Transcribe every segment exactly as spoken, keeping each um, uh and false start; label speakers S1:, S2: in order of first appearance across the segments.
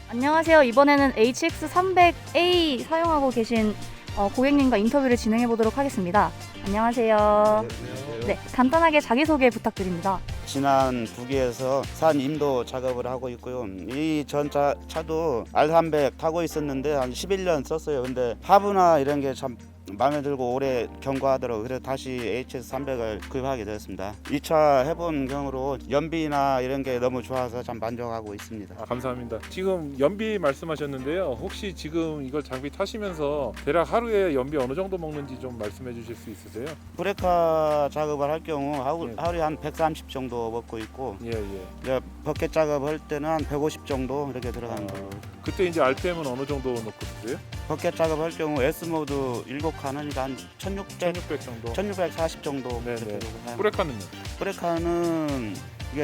S1: 안녕하세요. 이번에는 에이치엑스 삼백 에이 사용하고 계신 어, 고객님과 인터뷰를 진행해 보도록 하겠습니다. 안녕하세요.
S2: 안녕하세요.
S1: 네, 간단하게 자기소개 부탁드립니다.
S2: 지난 북위에서 산 임도 작업을 하고 있고요. 이 전 차도 알 삼백 타고 있었는데 한 십일 년 썼어요. 근데 하부나 이런 게 참 마음에 들고 오래 경과하더라고요. 그래서 다시 에이치엑스 삼백을 구입하게 되었습니다. 이 차 해본 경우로 연비나 이런 게 너무 좋아서 참 만족하고 있습니다.
S3: 아, 감사합니다. 지금 연비 말씀하셨는데요. 혹시 지금 이걸 장비 타시면서 대략 하루에 연비 어느 정도 먹는지 좀 말씀해 주실 수 있으세요?
S2: 브레이크 작업을 할 경우 하루,
S3: 예.
S2: 하루에 한 백삼십 정도 먹고 있고,
S3: 예, 예.
S2: 이제 버켓 작업할 때는 한 백오십 정도 이렇게 들어가는 거예요.
S3: 그때 이제 알피엠은 어느 정도 넣고 쓰세요?
S2: 버켓 작업할 경우 S모드 일곱 칸이니까 한 천육백,
S3: 천육백 정도.
S2: 천육백사십 정도
S3: 네네.
S2: 그렇게 되고 사용합니다.
S3: 브레이크는요?
S2: 브레이크는 이게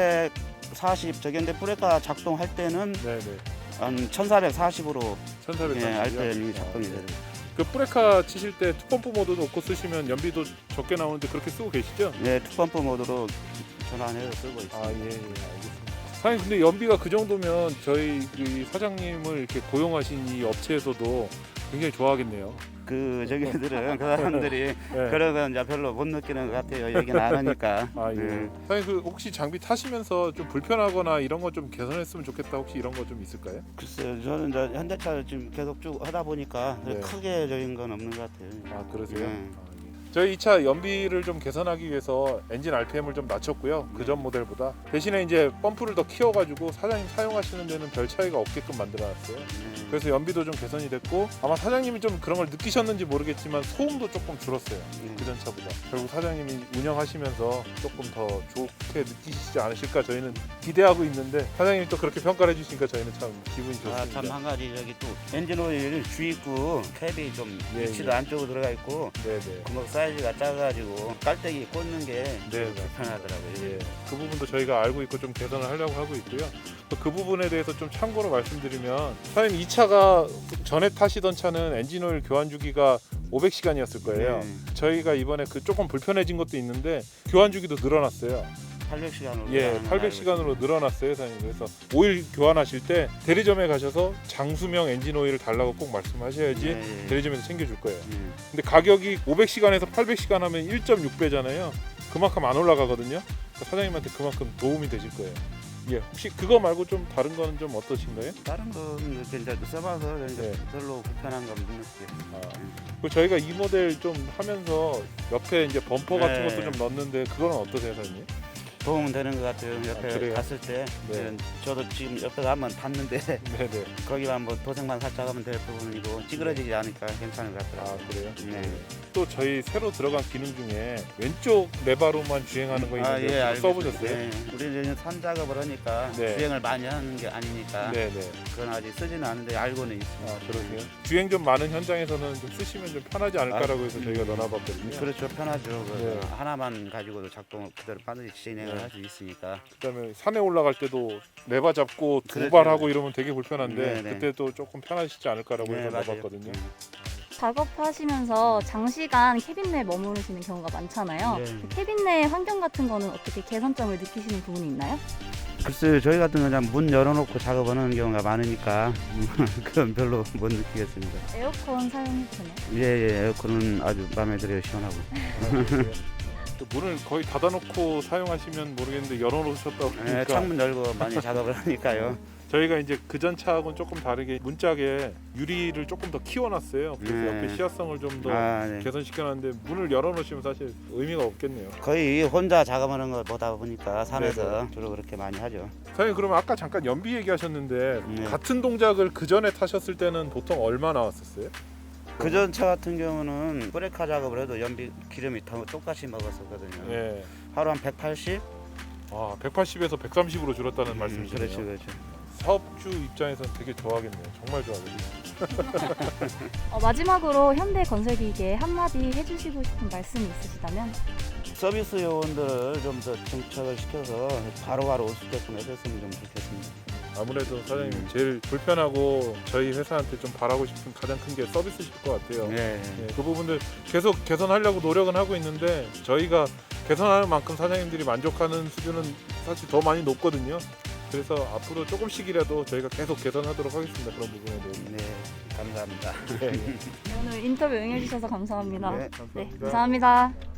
S2: 천오백사십 저기인데 브레이크 작동할 때는
S3: 네, 네.
S2: 한 천사백사십으로
S3: 천사백사십.
S2: 예, 알펜이 작동이 돼요.
S3: 그 브레이크 치실 때 투펌프 모드 놓고 쓰시면 연비도 적게 나오는데 그렇게 쓰고 계시죠?
S2: 네, 투펌프 모드로 전환해서 쓰고 있습니다.
S3: 아, 예, 예, 알겠습니다. 사장님, 근데 연비가 그 정도면 저희 그 사장님을 이렇게 고용하신 이 업체에서도 굉장히 좋아하겠네요.
S2: 그 저기들은 그 사람들이
S3: 네.
S2: 그러면 이제 별로 못 느끼는 것 같아요. 얘기는 안 하니까.
S3: 아, 예.
S2: 네.
S3: 사장님, 그 혹시 장비 타시면서 좀 불편하거나 이런 거 좀 개선했으면 좋겠다, 혹시 이런 거 좀 있을까요?
S2: 글쎄요, 저는 이제 현대차를 지금 계속 쭉 하다 보니까
S3: 네.
S2: 크게 적인 건 없는 것 같아요.
S3: 아, 그러세요?
S2: 네.
S3: 아, 예. 저희 이 차 연비를 좀 개선하기 위해서 엔진 알피엠을 좀 낮췄고요. 그 전 모델보다. 대신에 이제 펌프를 더 키워가지고 사장님 사용하시는 데는 별 차이가 없게끔 만들어놨어요.
S2: 네.
S3: 그래서 연비도 좀 개선이 됐고, 아마 사장님이 좀 그런 걸 느끼셨는지 모르겠지만 소음도 조금 줄었어요.
S2: 네.
S3: 그전 차보다. 결국 사장님이 운영하시면서 조금 더 좋게 느끼시지 않으실까 저희는 기대하고 있는데, 사장님이 또 그렇게 평가를 해주시니까 저희는 참 기분이 좋습니다.
S2: 아, 참 한 가지 저기 또 엔진 오일 주입구 캡이 좀
S3: 예,
S2: 위치도
S3: 예.
S2: 안쪽으로 들어가 있고
S3: 네네.
S2: 구멍 사이즈가 작아가지고 깔때기 꽂는 게
S3: 네,
S2: 불편하더라고요.
S3: 예, 그 부분도 저희가 알고 있고 좀 개선을 하려고 하고 있고요. 또 그 부분에 대해서 좀 참고로 말씀드리면, 사장님 이 차가 전에 타시던 차는 엔진 오일 교환 주기가 오백 시간이었을 거예요.
S2: 네.
S3: 저희가 이번에 그 조금 불편해진 것도 있는데 교환 주기도 늘어났어요.
S2: 팔백 시간으로
S3: 예, 팔백 시간으로 늘어났어요, 사장님. 그래서 오일 교환하실 때 대리점에 가셔서 장수명 엔진 오일을 달라고 꼭 말씀하셔야지
S2: 네.
S3: 대리점에서 챙겨줄 거예요.
S2: 네.
S3: 근데 가격이 오백 시간에서 팔백 시간 하면 일 점 육 배잖아요. 그만큼 안 올라가거든요. 그러니까 사장님한테 그만큼 도움이 되실 거예요. 예, 혹시 그거 말고 좀 다른 거는 좀 어떠신가요?
S2: 다른 건 이렇게 이제 써봐서 이제
S3: 네.
S2: 별로 불편한 건 못 느껴요.
S3: 아, 그리고 저희가 이 모델 좀 하면서 옆에 이제 범퍼 같은
S2: 네.
S3: 것도 좀 넣었는데 그거는 어떠세요, 사장님?
S2: 도움은 되는 것 같아요. 옆에
S3: 아, 그래요?
S2: 갔을 때
S3: 네.
S2: 저도 지금 옆에 가면 봤는데
S3: 네네.
S2: 거기만 뭐 도색만 살짝 하면 될 부분이고 찌그러지지 않으니까 괜찮은 것
S3: 아,
S2: 같더라고요.
S3: 그래요?
S2: 네.
S3: 또 저희 새로 들어간 기능 중에 왼쪽 레바로만 주행하는 거 있는데
S2: 아, 예,
S3: 그거
S2: 알겠습니다.
S3: 써보셨어요?
S2: 네. 우리 이제 산 작업을 하니까
S3: 네.
S2: 주행을 많이 하는 게 아니니까
S3: 네네.
S2: 그건 아직 쓰지는 않는데 알고는 있습니다.
S3: 아, 그러세요? 주행 좀 많은 현장에서는 좀 쓰시면 좀 편하지 않을까라고 해서
S2: 아,
S3: 저희가 넣어놨거든요.
S2: 그렇죠, 편하죠. 그
S3: 네.
S2: 하나만 가지고도 작동 그대로 빠르게 진행을
S3: 네.
S2: 할 수 있으니까.
S3: 그다음에 산에 올라갈 때도 레바 잡고
S2: 그렇죠.
S3: 도발하고 이러면 되게 불편한데
S2: 네, 네.
S3: 그때도 조금 편하시지 않을까라고
S2: 네,
S3: 해서
S2: 맞아요.
S3: 넣어봤거든요.
S2: 네.
S1: 작업하시면서 장시간 캐빈 내에 머무르시는 경우가 많잖아요.
S2: 네.
S1: 그 캐빈 내 환경 같은 거는 어떻게 개선점을 느끼시는 부분이 있나요?
S2: 글쎄요, 저희 같은 경우는 문 열어놓고 작업하는 경우가 많으니까 그건 별로 못 느끼겠습니다.
S1: 에어컨 사용해도 되나요?
S2: 예, 예, 에어컨은 아주 마음에 들어요, 시원하고.
S3: 또 문을 거의 닫아놓고 사용하시면 모르겠는데 열어놓으셨다고
S2: 예,
S3: 그러니까
S2: 창문 열고 많이 작업을 하니까요.
S3: 저희가 이제 그전 차하고는 조금 다르게 문짝에 유리를 조금 더 키워놨어요. 그래서
S2: 네.
S3: 옆에 시야성을 좀 더
S2: 아, 네.
S3: 개선시켜놨는데 문을 열어놓으시면 사실 의미가 없겠네요.
S2: 거의 혼자 작업하는 거 보다 보니까 산에서
S3: 네네.
S2: 주로 그렇게 많이 하죠.
S3: 사장님, 그러면 아까 잠깐 연비 얘기하셨는데
S2: 네.
S3: 같은 동작을 그 전에 타셨을 때는 보통 얼마 나왔었어요?
S2: 그전 차 같은 경우는 브레이크 작업을 해도 연비 기름이 더 똑같이 먹었었거든요.
S3: 예.
S2: 하루 한 백팔십?
S3: 아, 백팔십에서 백삼십으로 줄었다는 말씀이시네요.
S2: 그렇죠, 그렇죠.
S3: 사업주 입장에서는 되게 좋아하겠네요. 정말 좋아하겠네요.
S1: 어, 마지막으로 현대건설기기에 한마디 해주시고 싶은 말씀이 있으시다면?
S2: 서비스 요원들을 좀 더 정착을 시켜서 바로바로 올 수 있게끔 해줬으면 좀 좋겠습니다.
S3: 아무래도 사장님 제일 불편하고 저희 회사한테 좀 바라고 싶은 가장 큰 게 서비스실 것 같아요.
S2: 네.
S3: 예, 그 부분들 계속 개선하려고 노력은 하고 있는데 저희가 개선하는 만큼 사장님들이 만족하는 수준은 사실 더 많이 높거든요. 그래서 앞으로 조금씩이라도 저희가 계속 개선하도록 하겠습니다. 그런 부분에 대해서.
S2: 네, 감사합니다.
S3: 네,
S1: 네, 오늘 인터뷰 응해주셔서 감사합니다.
S2: 네.
S3: 감사합니다.
S1: 네, 감사합니다.